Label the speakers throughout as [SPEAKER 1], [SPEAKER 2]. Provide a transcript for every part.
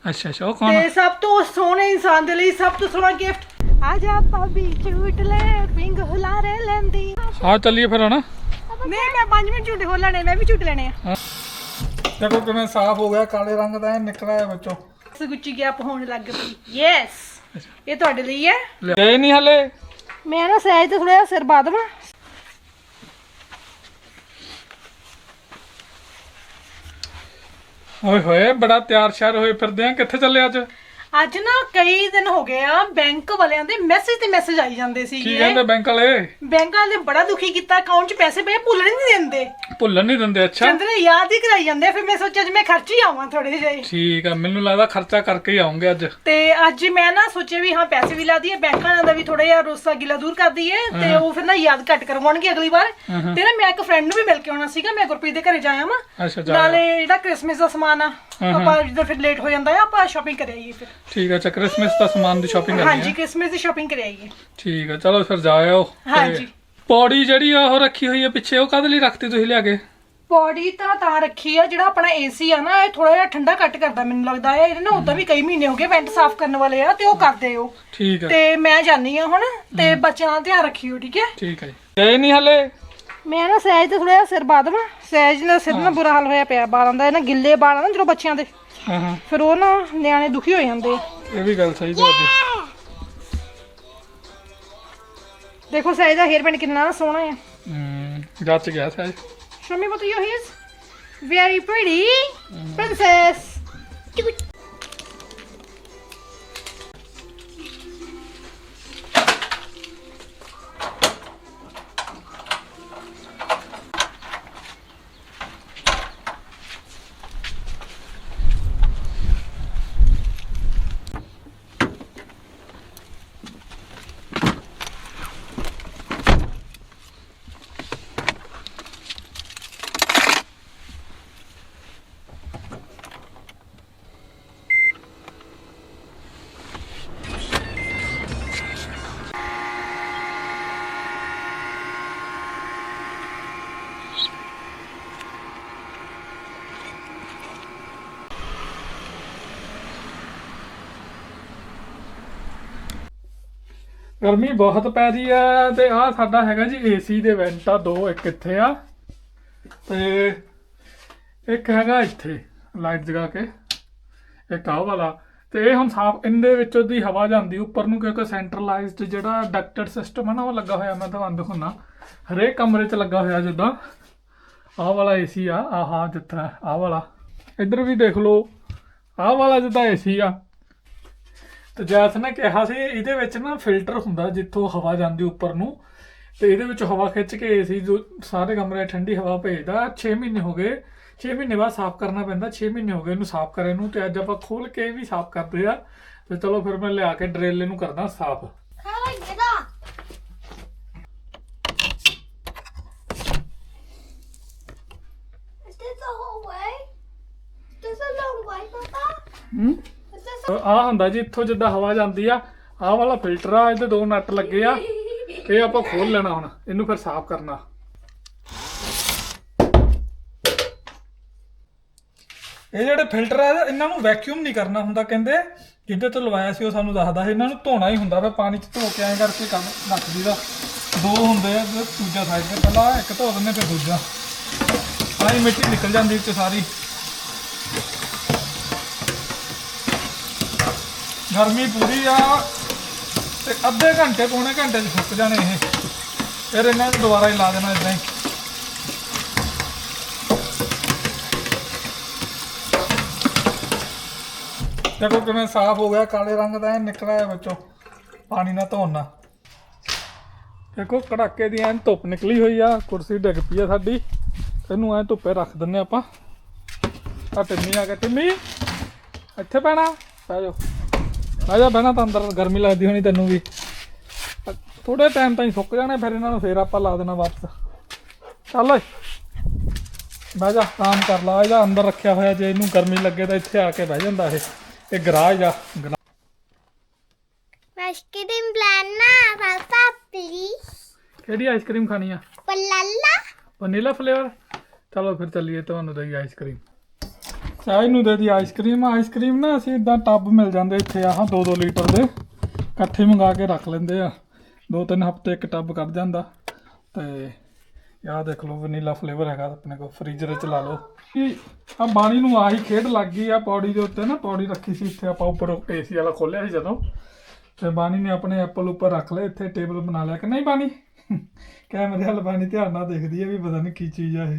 [SPEAKER 1] ਅੱਛਾ ਅੱਛਾ, ਉਹ ਕੌਣ
[SPEAKER 2] ਤੇ ਸਭ ਤੋਂ ਸੋਹਣੇ ਇਨਸਾਨ ਦੇ ਲਈ ਸਭ ਤੋਂ ਸੋਹਣਾ ਗਿਫਟ। ਆ ਜਾ ਭਾਬੀ ਝੂਟ ਲੈ ਪਿੰਗ ਹੁਲਾਰੇ ਲੈਂਦੀ।
[SPEAKER 1] ਹਾਂ ਚੱਲੀਏ ਫਿਰ ਹਣਾ।
[SPEAKER 2] ਨਹੀਂ ਮੈਂ 5 ਮਿੰਟ ਝੂਟੇ ਹੋ ਲੈਣੇ, ਮੈਂ ਵੀ ਝੂਟ ਲੈਣੇ ਆ।
[SPEAKER 1] ਦੇਖੋ ਕਿਵੇਂ ਸਾਫ਼ ਹੋ ਗਿਆ, ਕਾਲੇ ਰੰਗ ਦਾ ਨਿਕਲਿਆ ਵਿੱਚੋਂ।
[SPEAKER 2] ਗੁੱਚੀ ਗੈਪ ਹੋਣ ਲੱਗ ਪਈ। ਯੈਸ, ਇਹ ਤੁਹਾਡੇ ਲਈ ਹੈ।
[SPEAKER 1] ਗਏ ਨਹੀਂ ਹਲੇ।
[SPEAKER 2] ਮੈਂ ਨਾ ਸਹਿਜ ਤੇ ਥੋੜਾ ਜਿਹਾ ਸਿਰ ਪਾ ਦੇਵਾਂ।
[SPEAKER 1] ਓਏ ਹੋਏ ਬੜਾ ਤਿਆਰ ਸ਼ਿਆਰ ਹੋਏ ਫਿਰਦੇ ਆ, ਕਿੱਥੇ ਚੱਲੇ ਅੱਜ?
[SPEAKER 2] ਅੱਜ ਨਾ ਕਈ ਦਿਨ ਹੋ ਗਏ ਆ, ਬੈਂਕ ਵਾਲਿਆਂ ਦੇ ਮੈਸੇਜ ਤੇ ਮੈਸੇਜ ਆਈ ਜਾਂਦੇ ਸੀ।
[SPEAKER 1] ਕੀ ਕਹਿੰਦੇ ਬੈਂਕ ਵਾਲੇ?
[SPEAKER 2] ਬੈਂਕ ਵਾਲੇ ਬੜਾ ਦੁਖੀ ਕੀਤਾ, ਅਕਾਊਂਟ 'ਚ ਪੈਸੇ ਪਏ ਭੁੱਲਣ ਨਹੀਂ ਦਿੰਦੇ।
[SPEAKER 1] ਭੁੱਲਣ ਨਹੀਂ ਦਿੰਦੇ? ਅੱਛਾ,
[SPEAKER 2] ਕਹਿੰਦੇ ਨੇ ਯਾਦ ਹੀ ਕਰਾਈ ਜਾਂਦੇ। ਫਿਰ ਮੈਂ ਸੋਚਿਆ ਅੱਜ ਮੈਂ ਖਰਚ ਹੀ ਆਵਾਂ ਥੋੜੇ ਜਿਹੇ।
[SPEAKER 1] ਠੀਕ ਆ, ਮੈਨੂੰ ਲੱਗਦਾ ਖਰਚਾ ਕਰਕੇ ਹੀ ਆਉਂਗੇ ਅੱਜ।
[SPEAKER 2] ਤੇ ਅੱਜ ਮੈਂ ਨਾ ਸੋਚਿਆ ਵੀ ਹਾਂ ਪੈਸੇ ਵੀ ਲਾ ਦਈਏ, ਬੈਂਕਾਂ ਦਾ ਵੀ ਥੋੜਾ ਜਿਹਾ ਰੋਸਾ ਗਿਲਾ ਦੂਰ ਕਰ ਦਈਏ, ਤੇ ਉਹ ਫਿਰ ਨਾ ਯਾਦ ਘੱਟ ਕਰਵਾਉਣਗੇ ਅਗਲੀ ਵਾਰ। ਤੇ ਨਾ ਮੈਂ ਇੱਕ ਫਰੈਂਡ ਨੂੰ ਵੀ ਮਿਲ ਕੇ ਆਉਣਾ ਸੀਗਾ, ਮੈਂ ਗੁਰਪ੍ਰੀਤ ਦੇ ਘਰੇ ਜਾਇਆ ਵਾਂ।
[SPEAKER 1] ਅੱਛਾ, ਜਾ
[SPEAKER 2] ਨਾਲੇ ਜਿਹੜਾ ਕ੍ਰਿਸਮਸ ਦਾ ਸਮਾਨ ਆ, ਆਪਾਂ ਜਦੋਂ ਫਿਰ ਲੇਟ ਹੋ ਜਾਂਦਾ ਆ, ਆਪਾਂ ਸ਼ਾਪਿੰਗ ਕਰ ਆਈਏ ਫਿਰ।
[SPEAKER 1] ਠੀਕ ਆ, ਅੱਛਾ ਕ੍ਰਿਸਮਸ ਦਾ ਸਮਾਨ ਦੀ ਸ਼ਾਪਿੰਗ ਕਰਨੀ ਹੈ?
[SPEAKER 2] ਹਾਂਜੀ, ਕ੍ਰਿਸਮਸ ਦੀ ਸ਼ਾਪਿੰਗ ਕਰ ਆਈਏ।
[SPEAKER 1] ਠੀਕ ਆ, ਚਲੋ ਫਿਰ ਜਾ ਆਓ।
[SPEAKER 2] ਹਾਂਜੀ,
[SPEAKER 1] ਪੌੜੀ ਜਿਹੜੀ ਆ ਉਹ ਰੱਖੀ ਹੋਈ ਆ ਪਿੱਛੇ, ਉਹ ਕਾਹਦੇ ਲਈ ਰੱਖਤੀ ਤੁਸੀਂ ਲਿਆ ਕੇ?
[SPEAKER 2] ਪੌੜੀ ਤਾਂ ਰੱਖੀ ਆ, ਜਿਹੜਾ ਆਪਣਾ ਏਸੀ ਆ ਨਾ, ਇਹ ਥੋੜਾ ਜਿਹਾ ਠੰਡਾ ਘੱਟ ਕਰਦਾ ਮੈਨੂੰ ਲੱਗਦਾ ਹੈ। ਇਹਦੇ ਨਾ ਉਦਾਂ ਵੀ ਕਈ ਮਹੀਨੇ ਹੋ ਗਏ ਵੈਂਟ ਸਾਫ਼ ਕਰਨ ਵਾਲੇ ਆ, ਤੇ ਉਹ ਕਰਦੇ ਹੋ।
[SPEAKER 1] ਠੀਕ ਆ,
[SPEAKER 2] ਤੇ ਮੈਂ ਜਾਨੀ ਆ ਹੁਣ, ਤੇ ਬੱਚਿਆਂ ਦਾ ਧਿਆਨ ਰੱਖਿਓ, ਠੀਕ ਹੈ?
[SPEAKER 1] ਠੀਕ ਹੈ। ਗਏ ਨਹੀਂ ਹਲੇ?
[SPEAKER 2] ਮੈਂ ਨਾ ਸਹਿਜ ਤੇ ਥੋੜਾ ਜਿਹਾ ਸਿਰ ਪਾ ਦੇਵਾਂ। ਸਹਿਜ ਦਾ ਸਿਰ ਨਾ ਬੁਰਾ ਹਾਲ ਹੋਇਆ ਪਿਆ ਬਾਲਾਂ ਦਾ, ਇਹ ਨਾ ਗਿੱਲੇ ਵਾਲ ਆ ਨਾ ਜਦੋਂ ਬੱਚਿਆਂ ਦੇ,
[SPEAKER 1] ਹਾਂ ਹਾਂ,
[SPEAKER 2] ਫਿਰ ਉਹ ਨਾ ਨਿਆਣੇ ਦੁਖੀ ਹੋ ਜਾਂਦੇ ਆ।
[SPEAKER 1] ਇਹ ਵੀ ਗੱਲ ਸਹੀ ਤੁਹਾਡੀ।
[SPEAKER 2] ਦੇਖੋ ਸਹਿਜ ਦਾ ਹੇਅਰ ਬੈਂਡ ਕਿੰਨਾ ਸੋਹਣਾ ਹੈ।
[SPEAKER 1] ਜੱਚ ਗਿਆ ਸਾਜ।
[SPEAKER 2] Show me what your hair is. Very pretty, princess.
[SPEAKER 1] ਗਰਮੀ ਬਹੁਤ ਪੈ ਰਹੀ ਆ, ਤੇ ਆਹ ਸਾਡਾ ਹੈਗਾ ਜੀ ਏਸੀ ਦੇ ਵੈਂਟ ਆ ਦੋ, ਇੱਕ ਇੱਥੇ ਆ ਤੇ ਇੱਕ ਹੈਗਾ ਇੱਥੇ ਲਾਈਟ ਜਗਾ ਕੇ, ਇੱਕ ਆਹ ਵਾਲਾ। ਤੇ ਇਹ ਹੁਣ ਸਾਫ ਇਹਦੇ ਵਿੱਚੋਂ ਦੀ ਹਵਾ ਜਾਂਦੀ ਉੱਪਰ ਨੂੰ, ਕਿਉਂਕਿ ਸੈਂਟਰਲਾਈਜ਼ਡ ਜਿਹੜਾ ਡਕਟਡ ਸਿਸਟਮ ਹੈ ਨਾ ਉਹ ਲੱਗਾ ਹੋਇਆ। ਮੈਂ ਤੁਹਾਨੂੰ ਦਿਖਾਉਣਾ, ਹਰੇਕ ਕਮਰੇ 'ਚ ਲੱਗਾ ਹੋਇਆ। ਜਿੱਦਾਂ ਆਹ ਵਾਲਾ ਏਸੀ ਆ, ਆਹ ਜਿੱਦਾਂ ਆਹ ਵਾਲਾ, ਇੱਧਰ ਵੀ ਦੇਖ ਲਓ ਆਹ ਵਾਲਾ ਜਿੱਦਾਂ ਏਸੀ ਆ। ਤੇ ਜੈਸ ਨੇ ਕਿਹਾ ਸੀ ਇਹਦੇ ਵਿੱਚ ਨਾ ਫਿਲਟਰ ਹੁੰਦਾ ਜਿੱਥੋਂ ਹਵਾ ਜਾਂਦੀ ਉੱਪਰ ਨੂੰ, ਤੇ ਇਹਦੇ ਵਿੱਚ ਹਵਾ ਖਿੱਚ ਕੇ ਏਸੀ ਜੋ ਸਾਰੇ ਕਮਰੇ ਠੰਡੀ ਹਵਾ ਭੇਜਦਾ। 6 ਮਹੀਨੇ ਹੋ ਗਏ, 6 ਮਹੀਨੇ ਬਾਅਦ ਸਾਫ਼ ਕਰਨਾ ਪੈਂਦਾ। 6 ਮਹੀਨੇ ਹੋ ਗਏ ਇਹਨੂੰ ਸਾਫ਼ ਕਰੇ ਨੂੰ, ਤੇ ਅੱਜ ਆਪਾਂ ਖੋਲ ਕੇ ਵੀ ਸਾਫ਼ ਕਰਦੇ ਆ। ਤੇ ਚਲੋ ਫਿਰ ਮੈਂ ਲਿਆ ਕੇ ਡਰਿਲ ਇਹਨੂੰ ਕਰਦਾ ਸਾਫ਼। ਆਹ ਹੁੰਦਾ ਜੀ ਇੱਥੋਂ ਜਿੱਦਾਂ ਹਵਾ ਜਾਂਦੀ ਆ, ਆਹ ਵਾਲਾ ਫਿਲਟਰ ਆ, ਇਹਦੇ 2 ਨਟ ਲੱਗੇ ਆ। ਇਹ ਆਪਾਂ ਖੋਲ ਲੈਣਾ ਹੁਣ, ਇਹਨੂੰ ਫਿਰ ਸਾਫ਼ ਕਰਨਾ। ਇਹ ਜਿਹੜੇ ਫਿਲਟਰ ਆ ਇਹਨਾਂ ਨੂੰ ਵੈਕਿਊਮ ਨਹੀਂ ਕਰਨਾ ਹੁੰਦਾ, ਕਹਿੰਦੇ ਜਿਹਦੇ ਤੋਂ ਲਵਾਇਆ ਸੀ ਉਹ ਸਾਨੂੰ ਦੱਸਦਾ ਸੀ ਇਹਨਾਂ ਨੂੰ ਧੋਣਾ ਹੀ ਹੁੰਦਾ। ਫਿਰ ਪਾਣੀ 'ਚ ਧੋ ਕੇ ਐਂ ਕਰਕੇ ਕੰਮ ਰੱਖ ਦਈਦਾ। 2 ਹੁੰਦੇ ਆ, ਦੂਜਾ ਸਾਈਡ ਤੇ ਪਹਿਲਾਂ ਇੱਕ ਧੋ ਦਿੰਦੇ, ਫਿਰ ਦੂਜਾ। ਸਾਰੀ ਮਿੱਟੀ ਨਿਕਲ ਜਾਂਦੀ ਵਿੱਚ ਸਾਰੀ। ਗਰਮੀ ਪੂਰੀ ਆ, ਤੇ ਅੱਧੇ ਘੰਟੇ ਪੌਣੇ ਘੰਟੇ 'ਚ ਸੁੱਕ ਜਾਣੇ ਇਹ। ਫਿਰ ਇਹਨਾਂ ਨੂੰ ਦੁਬਾਰਾ ਹੀ ਲਾ ਦੇਣਾ ਇਦਾਂ ਹੀ। ਦੇਖੋ ਕਿਵੇਂ ਸਾਫ਼ ਹੋ ਗਿਆ, ਕਾਲੇ ਰੰਗ ਦਾ ਨਿਕਲਿਆ ਵਿੱਚੋਂ ਪਾਣੀ ਨਾਲ ਧੋਣ ਨਾਲ। ਦੇਖੋ ਕੜਾਕੇ ਦੀ ਐਨ ਧੁੱਪ ਨਿਕਲੀ ਹੋਈ ਆ। ਕੁਰਸੀ ਡਿੱਗ ਪਈ ਆ ਸਾਡੀ, ਇਹਨੂੰ ਐਂ ਧੁੱਪੇ ਰੱਖ ਦਿੰਦੇ ਆਪਾਂ। ਆ ਟਿੰਮੀ ਆ ਗਿਆ, ਟਿੰਮੀ ਇੱਥੇ ਪੈਣਾ, ਪੈ ਜਾਓ ਆ ਜਾ। ਬਹਿਣਾ ਤਾਂ ਅੰਦਰ, ਗਰਮੀ ਲੱਗਦੀ ਹੋਣੀ ਤੈਨੂੰ ਵੀ। ਥੋੜੇ ਟਾਈਮ ਤਾਈਂ ਸੁੱਕ ਜਾਣੇ, ਫਿਰ ਇਹਨਾਂ ਨੂੰ ਫਿਰ ਆਪਾਂ ਲਾ ਦੇਣਾ ਵਾਪਸ। ਚੱਲ ਓਏ ਬਹਿ ਜਾ, ਆਰਾਮ ਕਰ ਲਾ। ਇਹਦਾ ਅੰਦਰ ਰੱਖਿਆ ਹੋਇਆ, ਜੇ ਇਹਨੂੰ ਗਰਮੀ ਲੱਗੇ ਤਾਂ ਇੱਥੇ ਆ ਕੇ ਬਹਿ ਜਾਂਦਾ। ਇਹ ਗਰਾਜ ਆ।
[SPEAKER 3] ਆਈਸਕ੍ਰੀਮ ਲੈਣਾ ਪਾਪਾ ਪਲੀਜ਼।
[SPEAKER 1] ਕਿਹੜੀ ਆਈਸਕ੍ਰੀਮ ਖਾਣੀ ਆ?
[SPEAKER 3] ਵਨੀਲਾ।
[SPEAKER 1] Vanilla flavour. ਚਲੋ ਫਿਰ ਚੱਲੀਏ, ਤੁਹਾਨੂੰ ਦਈ ਆਈਸਕ੍ਰੀਮ। ਸਹਿਜ ਨੂੰ ਦੇ ਦੀ ਆਈਸਕ੍ਰੀਮ ਨਾ ਅਸੀਂ ਇਦਾਂ ਟੱਬ ਮਿਲ ਜਾਂਦੇ ਇੱਥੇ ਆਹ 2-2 ਲੀਟਰ ਦੇ ਇਕੱਠੇ ਮੰਗਾ ਕੇ ਰੱਖ ਲੈਂਦੇ ਆ 2-3 ਹਫ਼ਤੇ ਇੱਕ ਟੱਬ ਕੱਢ ਜਾਂਦਾ ਤੇ ਆਹ ਦੇਖ ਲਓ ਵਨੀਲਾ ਫਲੇਵਰ ਹੈਗਾ ਆਪਣੇ ਕੋਲ ਫ੍ਰੀਜ਼ਰ 'ਚ ਲਾ ਲਓ ਆ ਬਾਣੀ ਨੂੰ ਆਹੀ ਖੇਡ ਲੱਗ ਗਈ ਆ ਪੌੜੀ ਦੇ ਉੱਤੇ ਨਾ ਪੌੜੀ ਰੱਖੀ ਸੀ ਇੱਥੇ ਆਪਾਂ ਉੱਪਰ ਏਸੀ ਵਾਲਾ ਖੋਲਿਆ ਸੀ ਜਦੋਂ ਤੇ ਬਾਣੀ ਨੇ ਆਪਣੇ ਐਪਲ ਉੱਪਰ ਰੱਖ ਲਏ ਇੱਥੇ ਟੇਬਲ ਬਣਾ ਲਿਆ ਕਿ ਨਹੀਂ ਬਾਣੀ ਕੈਮਰੇ ਵਾਲ ਬਾਣੀ ਧਿਆਨ ਨਾਲ ਦੇਖਦੀ ਹੈ ਵੀ ਪਤਾ ਨਹੀਂ ਕੀ ਚੀਜ਼ ਆ ਇਹ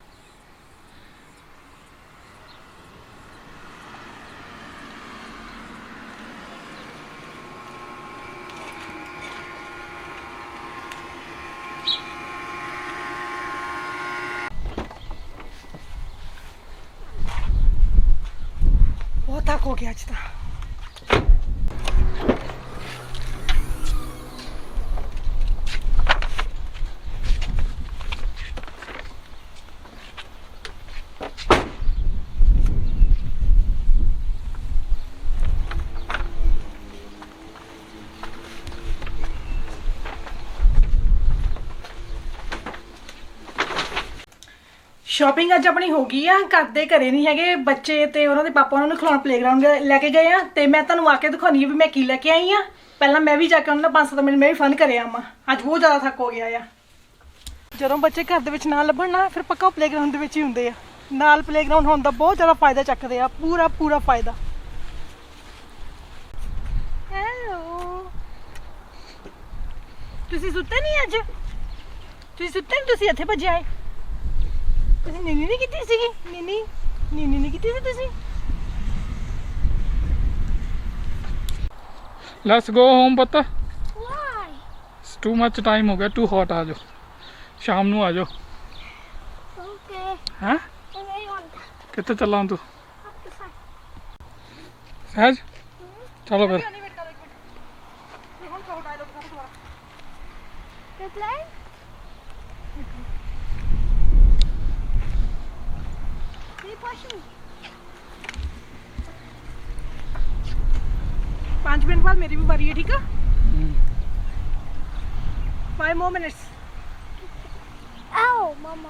[SPEAKER 2] बहुत थक हो गया आज तो ਸ਼ਾਪਿੰਗ ਅੱਜ ਆਪਣੀ ਹੋ ਗਈ ਆ ਘਰ ਦੇ ਘਰੇ ਨਹੀਂ ਹੈਗੇ ਬੱਚੇ ਤੇ ਉਹਨਾਂ ਦੇ ਪਾਪਾ ਉਹਨਾਂ ਨੂੰ ਖਿਲਾਉਣ ਪਲੇਗਰਾਉਂਡ ਲੈ ਕੇ ਗਏ ਆ ਤੇ ਮੈਂ ਤੁਹਾਨੂੰ ਆ ਕੇ ਦਿਖਾਉਣੀ ਆ ਵੀ ਮੈਂ ਕੀ ਲੈ ਕੇ ਆਈ ਆ ਪਹਿਲਾਂ ਮੈਂ ਵੀ ਜਾ ਕੇ ਉਹਨਾਂ ਨਾਲ 5-7 ਮਿੰਟ ਮੈਂ ਵੀ ਫਨ ਕਰਿਆ ਆਵਾਂ ਅੱਜ ਬਹੁਤ ਜ਼ਿਆਦਾ ਥੱਕ ਹੋ ਗਿਆ ਆ ਜਦੋਂ ਬੱਚੇ ਘਰ ਦੇ ਵਿੱਚ ਨਾ ਲੱਭਣ ਨਾ ਫਿਰ ਪੱਕਾ ਪਲੇਗਰਾਉਂਡ ਦੇ ਵਿੱਚ ਹੀ ਹੁੰਦੇ ਆ ਨਾਲ ਪਲੇਗਰਾਉਂਡ ਹੋਣ ਦਾ ਬਹੁਤ ਜ਼ਿਆਦਾ ਫਾਇਦਾ ਚੱਕਦੇ ਆ ਪੂਰਾ ਫਾਇਦਾ ਹੈਲੋ ਤੁਸੀਂ ਸੁੱਤੇ ਨਹੀਂ ਅੱਜ ਤੁਸੀਂ ਇੱਥੇ ਭੱਜੇ ਆਏ ਤੁਸੀਂ ਨੀਨੀ ਨਹੀਂ ਕੀਤੀ ਸੀਗੀ ਨੀਨੀ ਨਹੀਂ ਕੀਤੀ ਸੀ ਤੁਸੀਂ
[SPEAKER 1] ਲੈਟਸ ਗੋ ਹੋਮ ਪਤਾ
[SPEAKER 3] Why?
[SPEAKER 1] ਟੂ ਮੱਚ ਟਾਈਮ ਹੋ ਗਿਆ ਟੂ ਹੌਟ ਆ ਜਾਓ ਸ਼ਾਮ ਨੂੰ ਆ ਜਾਓ
[SPEAKER 3] Okay.
[SPEAKER 1] ਹੈਂ
[SPEAKER 3] I want
[SPEAKER 1] ਕਿੱਥੇ ਚੱਲਾਂ ਤੂੰ
[SPEAKER 3] up the side.
[SPEAKER 1] ਸਹਿਜ ਚਲੋ ਫਿਰ
[SPEAKER 3] Good line?
[SPEAKER 2] 5 मिनट बाद मेरी भी बारी है ठीक है 5 more minutes
[SPEAKER 3] Ow, Mama.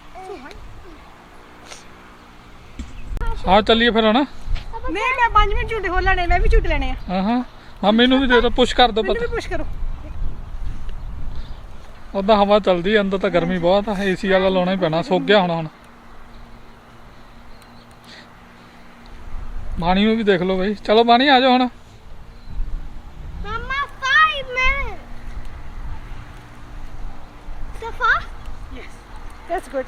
[SPEAKER 1] ਆ ਚੱਲੀਏ ਫਿਰ ਹਣਾ
[SPEAKER 2] नहीं मैं 5 मिनट झूठे हो लेने मैं भी झूठ लेने हैं
[SPEAKER 1] ਹਾਂ ਮੈਨੂੰ ਵੀ ਦੇ ਦਿਓ ਪੁਸ਼ ਕਰ ਦਿਓ
[SPEAKER 2] मैंने
[SPEAKER 1] ਪਤਾ
[SPEAKER 2] भी पुश करो
[SPEAKER 1] ਉਦਾਂ ਹਵਾ ਚੱਲਦੀ ਅੰਦਰ ਤਾਂ ਗਰਮੀ ਬਹੁਤ ਆ ਏਸੀ ਵਾਲਾ ਲਾਉਣਾ ਹੀ ਪੈਣਾ ਸੁੱਕ ਗਿਆ ਹੁਣ ਬਾਣੀ ਨੂੰ ਵੀ ਦੇਖ ਲਓ ਬਈ ਚਲੋ ਬਾਣੀ ਆ ਜਾਓ ਹੁਣ
[SPEAKER 3] Mama, 5 minutes. So fast?
[SPEAKER 2] yes that's good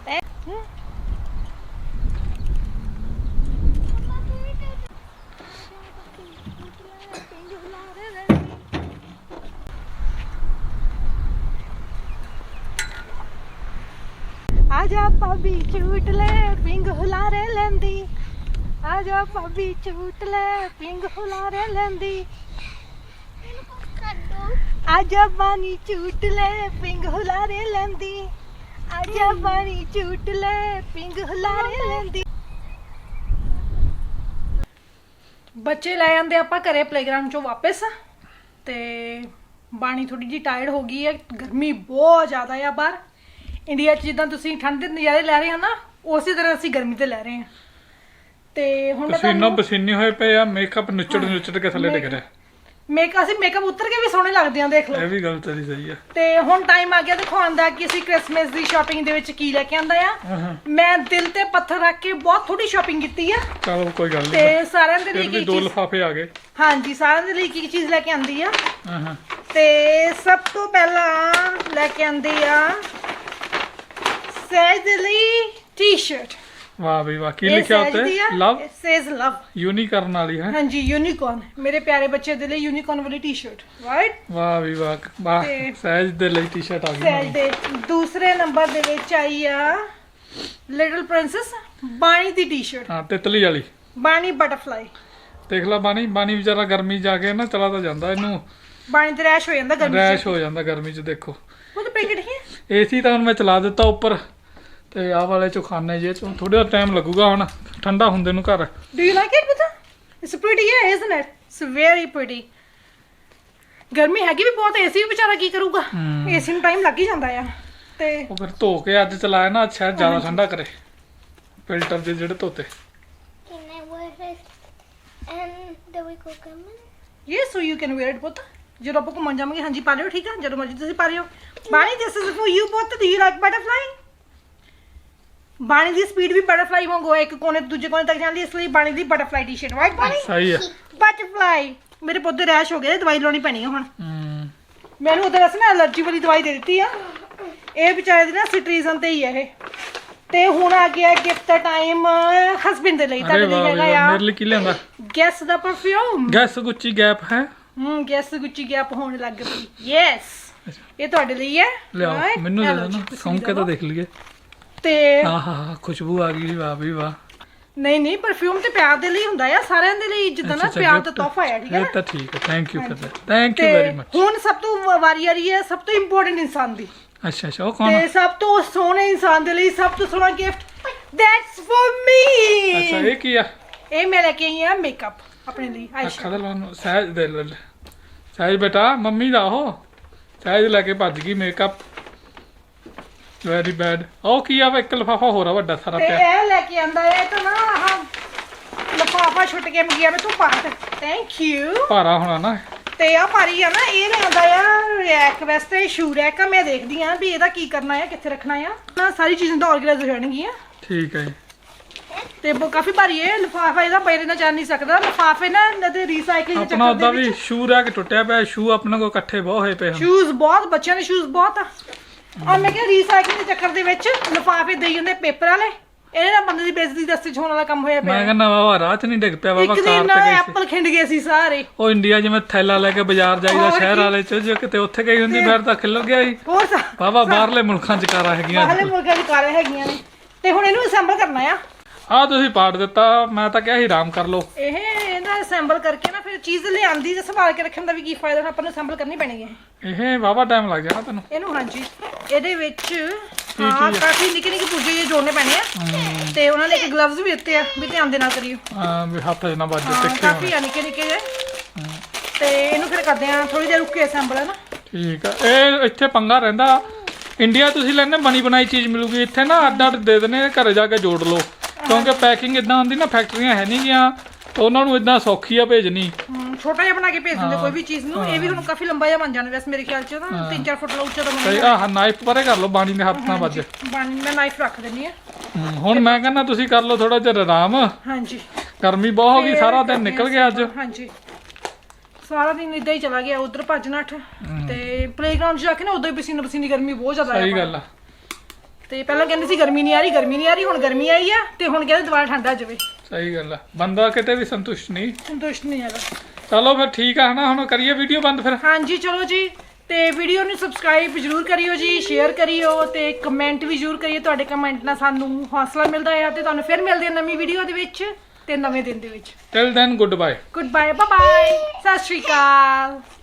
[SPEAKER 2] आजा भाभी झूठ ले पिंग हुलारे लेंदी आजा भाभी झूठ ले पिंग हुलारे लेंदी आजा बानी झूठ ले पिंग हुलारे लेंदी आजा बानी झूठ ले पिंग हुलारे लेंदी ਬੱਚੇ ਲੈ ਆਂਦੇ ਆਪਾਂ ਘਰੇ ਪਲੇਗਰਾਉਂਡ ਚੋਂ ਵਾਪਸ ਤੇ ਬਾਣੀ ਥੋੜੀ ਜੀ ਟਾਇਰਡ ਹੋ ਗਈ ਹੈ ਗਰਮੀ ਬਹੁਤ ਜ਼ਿਆਦਾ ਆ ਬਾਹਰ ਇੰਡੀਆ 'ਚ ਜਿੱਦਾਂ ਤੁਸੀਂ ਠੰਡ ਦੇ ਨਜ਼ਾਰੇ ਲੈ ਰਹੇ ਹੋ ਨਾ ਉਸੇ ਤਰ੍ਹਾਂ ਅਸੀਂ ਗਰਮੀ ਤੇ ਲੈ ਰਹੇ ਹਾਂ ਤੇ ਹੁਣ ਮੈਂ
[SPEAKER 1] ਪਸੀਨੋ ਪਸੀਨੇ ਹੋਏ ਪਏ ਆ ਮੇਕਅਪ ਨੁੱਚੜ ਕੇ ਥੱਲੇ ਡਿੱਗ ਰਿਹਾ
[SPEAKER 2] ਮੇਕਅਪ ਉਤਰ ਕੇ ਵੀ ਸੋਹਣੇ ਲੱਗਦੇ ਆ ਦੇਖ ਲਓ
[SPEAKER 1] ਇਹ ਵੀ ਗੱਲ ਤੇਰੀ ਸਹੀ ਆ
[SPEAKER 2] ਤੇ ਹੁਣ ਟਾਈਮ ਆ ਗਿਆ ਦਿਖਾਉਣ ਦਾ ਕਿ ਅਸੀਂ ਕ੍ਰਿਸਮਸ ਦੀ ਸ਼ਾਪਿੰਗ ਦੇ ਵਿੱਚ ਕੀ ਲੈ ਕੇ ਆਂਦਾ ਆ ਮੈਂ ਦਿਲ ਤੇ ਪੱਥਰ ਰੱਖ ਕੇ ਬਹੁਤ ਥੋੜੀ ਸ਼ਾਪਿੰਗ ਕੀਤੀ ਆ
[SPEAKER 1] ਚਲੋ ਕੋਈ ਗੱਲ
[SPEAKER 2] ਤੇ
[SPEAKER 1] ਨਹੀਂ
[SPEAKER 2] ਸਾਰਿਆਂ ਦੇ ਲਈ
[SPEAKER 1] ਫਿਰ ਵੀ
[SPEAKER 2] ਕੀ
[SPEAKER 1] 2
[SPEAKER 2] ਚੀਜ਼
[SPEAKER 1] ਲਿਫਾਫੇ ਆ ਗਏ
[SPEAKER 2] ਹਾਂਜੀ ਸਾਰਿਆਂ ਦੇ ਲਈ ਕੀ ਚੀਜ਼ ਲੈ ਕੇ ਆਂਦੀ ਆ
[SPEAKER 1] ਹਾਂ
[SPEAKER 2] ਤੇ ਸਭ ਤੋਂ ਪਹਿਲਾਂ ਲੈ ਕੇ ਆਂਦੀ ਆ ਸਹਿਜ ਦੇ ਲਈ ਟੀ-ਸ਼ਰਟ
[SPEAKER 1] ਵਾਹ ਬਈ ਵਾਹ ਕੀ ਲਿਖਿਆ ਉੱਤੇ ਲਵ
[SPEAKER 2] ਸੇਜ਼ ਲਵ
[SPEAKER 1] ਯੂਨੀਕਰਨ ਵਾਲੀ ਹੈ
[SPEAKER 2] ਹਾਂਜੀ ਯੂਨੀਕॉर्न ਮੇਰੇ ਪਿਆਰੇ ਬੱਚੇ ਦੇ ਲਈ ਯੂਨੀਕॉर्न ਵਾਲੀ ਟੀ-ਸ਼ਰਟ ਰਾਈਟ
[SPEAKER 1] ਵਾਹ ਵੀ ਵਾਹ
[SPEAKER 2] ਤੇ
[SPEAKER 1] ਸਹਿਜ ਦੇ ਲਈ ਟੀ-ਸ਼ਰਟ ਆ ਗਈ
[SPEAKER 2] ਸਹਿਜ ਦੇ ਦੂਸਰੇ ਨੰਬਰ ਦੇ ਵਿੱਚ ਆਈ ਆ ਲਿਟਲ ਪ੍ਰਿੰਸੈਸ ਬਾਣੀ ਦੀ ਟੀ-ਸ਼ਰਟ
[SPEAKER 1] ਹਾਂ ਤਿਤਲੀ ਵਾਲੀ
[SPEAKER 2] ਬਾਣੀ ਬਟਰਫਲਾਈ
[SPEAKER 1] ਦੇਖ ਲੈ ਬਾਣੀ ਵਿਚਾਰਾ ਗਰਮੀ ਜਾ ਕੇ ਨਾ ਚਲਾ ਤਾਂ ਜਾਂਦਾ ਇਹਨੂੰ
[SPEAKER 2] ਬਾਣੀ ਤੇ ਰੈਸ਼ ਹੋ ਜਾਂਦਾ ਗਰਮੀ
[SPEAKER 1] ਰੈਸ਼ ਹੋ ਜਾਂਦਾ ਗਰਮੀ 'ਚ ਦੇਖੋ
[SPEAKER 2] ਉਹ ਤਾਂ ਪੈਕੇਟ ਹੈ
[SPEAKER 1] ਏਸੀ ਤਾਂ ਹੁਣ ਮੈਂ ਚਲਾ ਦਿੱਤਾ ਉੱਪਰ ਤੇ ਆਹ ਵਾਲੇ ਚੋਂ ਖਾਣੇ ਜੇ ਚੋਂ ਥੋੜਾ ਟਾਈਮ ਲੱਗੂਗਾ ਹੁਣ ਠੰਡਾ ਹੁੰਦੇ ਨੂੰ ਘਰ
[SPEAKER 2] ਡੂ ਯੂ ਲਾਈਕ ਇਟ ਬਤਾ ਇਟਸ ਪ੍ਰੀਟੀ ਹੈ isn't it it's very pretty ਗਰਮੀ ਹੈਗੀ ਵੀ ਬਹੁਤ ਏਸੀ ਵੀ ਵਿਚਾਰਾ ਕੀ ਕਰੂਗਾ ਏਸੀ ਨੂੰ ਟਾਈਮ ਲੱਗ ਹੀ ਜਾਂਦਾ ਆ ਤੇ
[SPEAKER 1] ਉਹ ਫਿਰ ਧੋ ਕੇ ਅੱਜ ਚਲਾਇਆ ਨਾ ਅੱਛਾ ਜ਼ਿਆਦਾ ਠੰਡਾ ਕਰੇ ਫਿਲਟਰ ਦੇ ਜਿਹੜੇ ਧੋਤੇ
[SPEAKER 3] And then we go come in.
[SPEAKER 2] Yes, so you can wear it ਪੁੱਤ ਜਦੋਂ ਆਪਾਂ ਘੁੰਮਣ ਜਾਵਾਂਗੇ ਹਾਂਜੀ ਪਾ ਲਿਓ ਠੀਕ ਆ ਜਦੋਂ ਮਰਜ਼ੀ ਤੁਸੀਂ ਪਾ ਲਿਓ ਬਾਣੀ this is for you ਪੁੱਤ do you like butterfly ਬਾਣੀ ਦੀ ਸਪੀਡ ਵੀ ਬਟਰਫਲਾਈ ਵਾਂਗੂ ਹੈ ਇੱਕ ਕੋਨੇ ਤੋਂ ਦੂਜੇ ਕੋਨੇ ਤੱਕ ਜਾਂਦੀ ਇਸ ਲਈ ਬਾਣੀ ਦੀ ਬਟਰਫਲਾਈ ਟੀ-ਸ਼ਰਟ ਰਾਈਟ ਬਾਣੀ
[SPEAKER 1] ਸਹੀ ਆ
[SPEAKER 2] ਬਟਰਫਲਾਈ ਮੇਰੇ ਪੁੱਤ ਦੇ ਰੈਸ਼ ਹੋ ਗਏ ਦਵਾਈ ਲਾਉਣੀ ਪੈਣੀ ਆ ਹੁਣ
[SPEAKER 1] ਹੂੰ
[SPEAKER 2] ਮੈਨੂੰ ਉਧਰ ਅਸੀਂ ਨਾ ਐਲਰਜੀ ਵਾਲੀ ਦਵਾਈ ਦੇ ਦਿੱਤੀ ਆ ਇਹ ਵਿਚਾਰੇ ਦੀ ਨਾ ਸਿਟਰੀਜ਼ਨ ਤੇ ਹੀ ਹੈ ਇਹ ਤੇ ਹੁਣ ਆ ਗਿਆ ਗਿਫਟ ਦਾ ਟਾਈਮ ਹਸਬੈਂਡ ਦੇ ਲਈ
[SPEAKER 1] ਅਰੇ
[SPEAKER 2] ਤੁਹਾਡੇ ਲਈ
[SPEAKER 1] ਵਾਹ
[SPEAKER 2] ਹੈਗਾ ਆ
[SPEAKER 1] ਮੇਰੇ ਲਈ ਕੀ ਲਿਆਂਦਾ
[SPEAKER 2] ਗੈਸ ਦਾ ਪਰਫਿਊਮ
[SPEAKER 1] ਗੈਸ ਗੁੱਚੀ ਗੈਪ ਹੈ
[SPEAKER 2] ਗੈਸ ਗੁੱਚੀ ਗੈਪ ਹੋਣ ਲੱਗ ਪਈ ਯੈਸ ਇਹ ਤੁਹਾਡੇ ਲਈ ਹੈ
[SPEAKER 1] ਲਿਆਓ
[SPEAKER 2] right?
[SPEAKER 1] ਮੈਨੂੰ ਦੇ
[SPEAKER 2] ਇਹ ਲਓ
[SPEAKER 1] ਦੋ
[SPEAKER 2] ਜੀ,
[SPEAKER 1] ਨਾ
[SPEAKER 2] ਤੁਸੀਂ
[SPEAKER 1] ਸੌਂ ਕੇ ਤਾਂ
[SPEAKER 2] ਲਓ।
[SPEAKER 1] ਦੇਖ ਲਈਏ
[SPEAKER 2] ਤੇ
[SPEAKER 1] ਆਹਾ ਖੁਸ਼ਬੂ ਆ ਗਈ ਵਾਹ ਵੀ ਵਾਹ
[SPEAKER 2] ਨਹੀਂ ਪਰਫਿਊਮ ਤੇ ਪਿਆਰ ਦੇ ਲਈ ਹੁੰਦਾ ਆ ਸਾਰਿਆਂ ਦੇ ਲਈ ਜਿੱਦਾਂ ਨਾ
[SPEAKER 1] ਅੱਛਾ,
[SPEAKER 2] ਪਿਆਰ
[SPEAKER 1] gift
[SPEAKER 2] ਦਾ ਤੋਹਫਾ ਹੈ ਠੀਕ ਹੈ
[SPEAKER 1] ਇਹ
[SPEAKER 2] ਨਾ
[SPEAKER 1] ਤਾਂ ਠੀਕ ਹੈ thank you for thank you
[SPEAKER 2] ਤੇ
[SPEAKER 1] ਵੈਰੀ ਮਚ
[SPEAKER 2] ਹੁਣ ਸਭ ਤੋਂ ਵਾਰੀ ਆ ਰਹੀ ਹੈ ਸਭ ਤੋਂ ਇੰਪੋਰਟੈਂਟ ਇਨਸਾਨ ਦੀ
[SPEAKER 1] ਅੱਛਾ ਉਹ ਕੌਣ
[SPEAKER 2] ਤੇ ਸਭ ਤੋਂ ਸੋਹਣੇ ਇਨਸਾਨ ਦੇ ਲਈ ਸਭ ਤੋਂ ਸੋਹਣਾ ਗਿਫਟ ਦੈਟਸ ਫॉर ਮੀ
[SPEAKER 1] ਅੱਛਾ ਇਹ ਕੀ ਆ
[SPEAKER 2] ਇਹ ਮੈਂ ਲੈ ਕੇ ਆਈ ਆ ਮੇਕਅਪ ਆਪਣੇ ਲਈ
[SPEAKER 1] ਅੱਖਾਂ ਦਾ ਲਾਉਣ ਸਹਿਜ ਦੇ ਲੈ ਸਹਿਜ ਬੇਟਾ ਮੰਮੀ ਦਾ ਉਹ ਸਹਿਜ ਲੈ ਕੇ ਭੱਜ ਗਈ ਮੇਕਅਪ ਵੈਰੀ ਬੈਡ ਉਹ ਕੀ ਆ ਵਾ ਇੱਕ ਲਫਾਫਾ ਹੋਰ ਆ ਵੱਡਾ ਸਾਰਾ
[SPEAKER 2] ਤੇ
[SPEAKER 1] ਪਿਆ
[SPEAKER 2] ਇਹ ਲੈ ਕੇ ਆਂਦਾ ਹੈ ਤਾਂ ਨਾ ਆਹ ਲਫਾਫਾ ਛੁੱਟ ਕੇ ਮੰਗਿਆ ਮੈਂ ਤੂੰ ਪਾ ਥੈਂਕ ਯੂ
[SPEAKER 1] ਭਾਰਾ ਹੋਣਾ ਨਾ
[SPEAKER 2] ਤੇ ਆ ਭਾਰੀ ਆ ਨਾ ਇਹ ਲਿਆਂਦਾ ਆ ਰੈਕ ਵਾਸਤੇ ਸ਼ੂ ਰੈਕ ਆ ਮੈਂ ਦੇਖਦੀ ਆ ਵੀ ਇਹਦਾ ਕੀ ਕਰਨਾ ਆ ਕਿੱਥੇ ਰੱਖਣਾ ਆ ਨਾ ਸਾਰੀ ਚੀਜ਼ਾਂ ਤਾਂ ਆਰਗੇਨਾਈਜ਼ ਹੋ ਜਾਣਗੀਆਂ
[SPEAKER 1] ਠੀਕ ਹੈ ਜੀ
[SPEAKER 2] ਤੇ ਕਾਫੀ ਭਾਰੀ ਹੈ ਲਿਫਾਫਾ ਇਹਦਾ ਪਏ ਨਾ ਜਾ ਨਹੀਂ ਸਕਦਾ ਲਿਫਾਫੇ ਨਾ ਇਹਨਾਂ ਦੇ ਰੀਸਾਈਕਲਿੰਗ ਦੇ
[SPEAKER 1] ਆਪਣਾ
[SPEAKER 2] ਚੱਕਰ
[SPEAKER 1] ਉਦਾਂ
[SPEAKER 2] ਦੇ
[SPEAKER 1] ਵੀ
[SPEAKER 2] ਵਿੱਚ
[SPEAKER 1] ਸ਼ੂ ਰਹਿ ਕੇ ਟੁੱਟਿਆ ਪਿਆ ਸ਼ੂ ਆਪਣੇ ਕੋਲ ਇਕੱਠੇ ਬਹੁਤ ਹੋਏ ਪਏ ਹਨ
[SPEAKER 2] ਸ਼ੂਜ਼ ਬਹੁਤ ਬੱਚਿਆਂ ਦੇ ਸ਼ੂਜ਼ ਬਹੁਤ ਆ ਆ ਮੈਂ ਕਿਹਾ ਰੀਸਾਈਕਲਿੰਗ ਦੇ ਚੱਕਰ ਦੇ ਵਿੱਚ ਲਿਫਾਫੇ ਦੇਈ ਜਾਂਦੇ ਪੇਪਰ ਵਾਲੇ ਇਹਨੇ ਨਾ ਬੰਦੇ ਦੀ ਬੇਇੱਜ਼ਤੀ ਦਸਤੇ ਹੋਣ ਵਾਲਾ ਕੰਮ ਹੋਇਆ
[SPEAKER 1] ਮੈਂ
[SPEAKER 2] ਪਿਆ
[SPEAKER 1] ਕਹਿੰਦਾ ਵਾਵਾ ਰਾਹ ਚ ਨਹੀਂ ਡਿੱਗ ਪਿਆ ਵਾਵਾ
[SPEAKER 2] ਇੱਕ
[SPEAKER 1] ਕਾਰ
[SPEAKER 2] ਦਿਨ
[SPEAKER 1] ਤੇ ਗਈ ਸੀ
[SPEAKER 2] ਐਪਲ ਖਿੰਡ ਗਏ ਸੀ ਸਾਰੇ
[SPEAKER 1] ਉਹ ਇੰਡੀਆ ਜਿਵੇਂ ਥੈਲਾ ਲੈ ਕੇ ਬਾਜ਼ਾਰ ਜਾਈਦਾ
[SPEAKER 2] ਹੋਰ
[SPEAKER 1] ਸ਼ਹਿਰ
[SPEAKER 2] ਕੀ।
[SPEAKER 1] ਵਾਲੇ ਚ ਜੇ ਕਿਤੇ ਉੱਥੇ ਗਈ ਹੁੰਦੀ ਫਿਰ ਤਾਂ ਖਿੱਲ ਗਿਆ ਸੀ
[SPEAKER 2] ਹੋਰ
[SPEAKER 1] ਵਾਵਾ ਬਾਹਰਲੇ ਮੁਲਕਾਂ ਚ ਕਾਰਾਂ ਹੈਗੀਆਂ
[SPEAKER 2] ਬਾਹਰਲੇ ਮੁਲਕਾਂ ਦੀ ਕਾਰਾਂ ਹੈਗੀਆਂ ਨੇ ਤੇ ਹੁਣ ਇਹਨੂੰ ਅਸੈਂਬਲ ਕਰਨਾ ਆ
[SPEAKER 1] ਆ ਤੁਸੀਂ ਪਾੜ ਦਿੱਤਾ ਮੈਂ ਤਾਂ ਕਿਹਾ ਸੀ ਆਰਾਮ ਕਰ ਲਓ
[SPEAKER 2] ਇਹ ਇਹਦਾ ਅਸੈਂਬਲ ਕਰਕੇ ਨਾ ਫਿਰ ਚੀਜ਼ ਲਿਆਂਦੀ ਤੇ ਸੰਭਾਲ ਕੇ ਰੱਖਣ ਦਾ ਵੀ ਕੀ ਫਾਇਦਾ ਆਪਾਂ ਨੂੰ ਅਸੈਂਬਲ ਕਰਨੀ ਪੈਣੀ ਹੈ
[SPEAKER 1] ਇਹ ਵਾਵਾ ਟਾਈਮ ਲੱਗ ਜਾਣਾ ਤੈਨੂੰ
[SPEAKER 2] ਇਹਨੂੰ ਹਾਂਜੀ ਇਹਦੇ ਵਿੱਚ ਹਾਂ ਕਾਫੀ ਨਿੱਕੇ ਨਿੱਕੇ ਪੁਰਜੇ ਜਿਹੇ ਜੋੜਨੇ ਪੈਣੇ ਆ ਤੇ ਉਹਨਾਂ ਨੇ ਇੱਕ ਗਲਵਜ਼ ਵੀ ਦਿੱਤੇ ਆ ਵੀ ਧਿਆਨ ਦੇ ਨਾਲ ਕਰਿਓ
[SPEAKER 1] ਹਾਂ ਵੀ ਹੱਥ ਚ ਨਾ ਵੱਜੇ
[SPEAKER 2] ਹਾਂ
[SPEAKER 1] ਤਿੱਖੇ
[SPEAKER 2] ਕਾਫੀ
[SPEAKER 1] ਹੋਣ
[SPEAKER 2] ਆ ਨਿੱਕੇ ਨਿੱਕੇ ਜਿਹੇ ਤੇ ਇਹਨੂੰ ਫਿਰ ਕਰਦੇ ਆ ਥੋੜੀ ਦੇਰ ਰੁੱਕ ਕੇ ਅਸੈਂਬਲ ਹੈ ਨਾ
[SPEAKER 1] ਠੀਕ ਆ ਇਹ ਇੱਥੇ ਪੰਗਾ ਰਹਿੰਦਾ ਇੰਡੀਆ ਤੁਸੀਂ ਲੈਣੇ ਬਣੀ ਬਣਾਈ ਚੀਜ਼ ਮਿਲੂਗੀ ਇੱਥੇ ਨਾ ਅੱਡ ਅੱਡ ਦੇ ਦੇਣੇ ਘਰੇ ਜਾ ਕੇ ਜੋੜ ਲਓ ਕਿਉਂਕਿ ਪੈਕਿੰਗ ਇਦਾਂ ਹੁੰਦੀ ਨਾ ਫੈਕਟਰੀਆਂ ਹੈ ਨਹੀਂ ਗਿਆ ਤਾਂ ਉਹਨਾਂ ਨੂੰ ਇਦਾਂ ਸੌਖੀ ਆ ਭੇਜਣੀ
[SPEAKER 2] ਛੋਟਾ ਜਿਹਾ ਬਣਾ ਕੇ ਭੇਜ ਦਿੰਦੇ ਕੋਈ ਵੀ ਚੀਜ਼ ਨੂੰ ਇਹ ਵੀ ਹੁਣ ਕਾਫੀ ਲੰਬਾ ਜਿਹਾ ਬਣ ਜਾਣਾ ਵੈਸੇ ਮੇਰੇ ਖਿਆਲ ਚ ਤਾਂ 3-4 ਫੁੱਟ ਦਾ ਉੱਚਾ ਤਾਂ
[SPEAKER 1] ਤੇ
[SPEAKER 2] ਬਣੇਗਾ
[SPEAKER 1] ਆਹ ਨਾਈਫ ਪਰੇ ਕਰ ਲਓ ਬਾਣੀ ਦੇ ਹੱਥ ਨਾਲ ਵੱਜੇ
[SPEAKER 2] ਮੈਂ ਨਾਈਫ ਰੱਖ ਦਿੰਨੀ ਆ
[SPEAKER 1] ਹੁਣ ਮੈਂ ਕਹਿੰਦਾ ਤੁਸੀਂ ਕਰ ਲਓ ਥੋੜਾ ਜਿਹਾ ਆਰਾਮ
[SPEAKER 2] ਹਾਂਜੀ
[SPEAKER 1] ਗਰਮੀ ਬਹੁਤ ਹੋ ਗਈ ਸਾਰਾ ਦਿਨ ਨਿਕਲ ਗਿਆ ਅੱਜ
[SPEAKER 2] ਹਾਂਜੀ ਸਾਰਾ ਦਿਨ ਇਦਾਂ ਹੀ ਚਲਾ ਗਿਆ ਉਧਰ ਭੱਜ ਨੱਠ ਤੇ ਪਲੇਗਰਾਉਂਡ ਜਾ ਕੇ ਨਾ ਉਦੋਂ ਹੀ ਪਸੀਨੀ ਗਰਮੀ ਬਹੁਤ ਜ਼ਿਆਦਾ
[SPEAKER 1] ਸਹੀ
[SPEAKER 2] ਆ
[SPEAKER 1] ਗੱਲ ਆ
[SPEAKER 2] ਤੇ ਪਹਿਲਾਂ ਕਹਿੰਦੇ ਸੀ ਗਰਮੀ ਨਹੀਂ ਆ ਰਹੀ ਹੁਣ ਗਰਮੀ ਆਈ ਆ ਤੇ ਹੁਣ ਕਹਿੰਦੇ ਦੁਬਾਰਾ ਠੰਡਾ ਜਾਵੇ
[SPEAKER 1] ਸਹੀ ਗੱਲ ਆ ਬੰਦਾ ਕਿਤੇ ਵੀ ਸੰਤੁਸ਼ਟ ਨਹੀਂ
[SPEAKER 2] ਸੰਤੁਸ਼ਟ ਨਹੀਂ ਹੈਗਾ
[SPEAKER 1] ਚਲੋ ਫਿਰ ਠੀਕ ਆ ਹਨਾ ਹੁਣ ਕਰੀਏ ਵੀਡੀਓ ਬੰਦ ਫਿਰ
[SPEAKER 2] ਹਾਂਜੀ ਚਲੋ ਜੀ ਤੇ ਵੀਡੀਓ ਨੂੰ ਸਬਸਕ੍ਰਾਈਬ ਜ਼ਰੂਰ ਕਰਿਓ ਜੀ ਸ਼ੇਅਰ ਕਰਿਓ ਤੇ ਕਮੈਂਟ ਵੀ ਜ਼ਰੂਰ ਕਰਿਓ ਤੁਹਾਡੇ ਕਮੈਂਟ ਨਾਲ ਸਾਨੂੰ ਹੌਸਲਾ ਮਿਲਦਾ ਹੈ ਤੇ ਤੁਹਾਨੂੰ ਫਿਰ ਮਿਲਦੇ ਹਾਂ ਨਵੀਂ ਵੀਡੀਓ ਦੇ ਵਿੱਚ ਤੇ ਨਵੇਂ ਦਿਨ ਦੇ ਵਿੱਚ
[SPEAKER 1] till then goodbye
[SPEAKER 2] goodbye bye bye ਸਤਿ ਸ਼੍ਰੀ ਅਕਾਲ